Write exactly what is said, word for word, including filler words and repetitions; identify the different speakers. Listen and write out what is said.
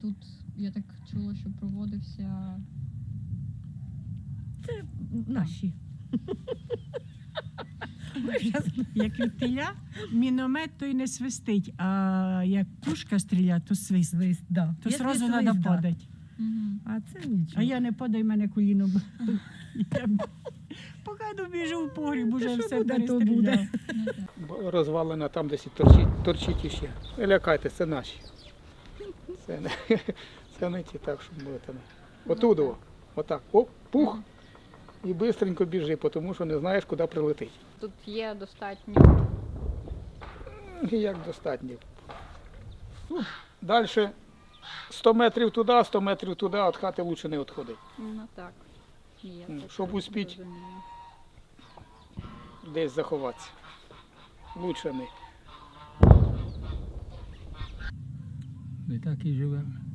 Speaker 1: Тут я так чула, що проводився.
Speaker 2: Це наші.
Speaker 3: Ми щас, як від теля, міномет той не свистить, а як пушка стріляє, то свист.
Speaker 2: Свист, да.
Speaker 3: То
Speaker 2: Якщо
Speaker 3: одразу
Speaker 2: свист,
Speaker 3: треба
Speaker 2: да.
Speaker 3: падати.
Speaker 1: Угу.
Speaker 2: А це нічого.
Speaker 3: А я не падаю, мене коліно. б- Я б- Поки добіжу в погріб, уже
Speaker 2: що
Speaker 3: все
Speaker 2: буде, то
Speaker 3: перестріляв.
Speaker 2: буде.
Speaker 1: Ну, так.
Speaker 4: Бо розвалена там десь і торчить, торчить іще. Не лякайтесь, це наші. Це не, це не ті, так, щоб будете. Отудово. Отак. Оп, пух. І швидко біжи, тому що не знаєш, куди прилетить.
Speaker 1: Тут є достатньо.
Speaker 4: І як достатньо. Ну, далі сто метрів туди, сто метрів туди, від хати краще не відходить.
Speaker 1: Ну так. Є,
Speaker 4: Ну,
Speaker 1: це
Speaker 4: щоб успіть.
Speaker 1: розумію.
Speaker 4: Десь заховатися. Лучше не.
Speaker 5: Ми так і живемо.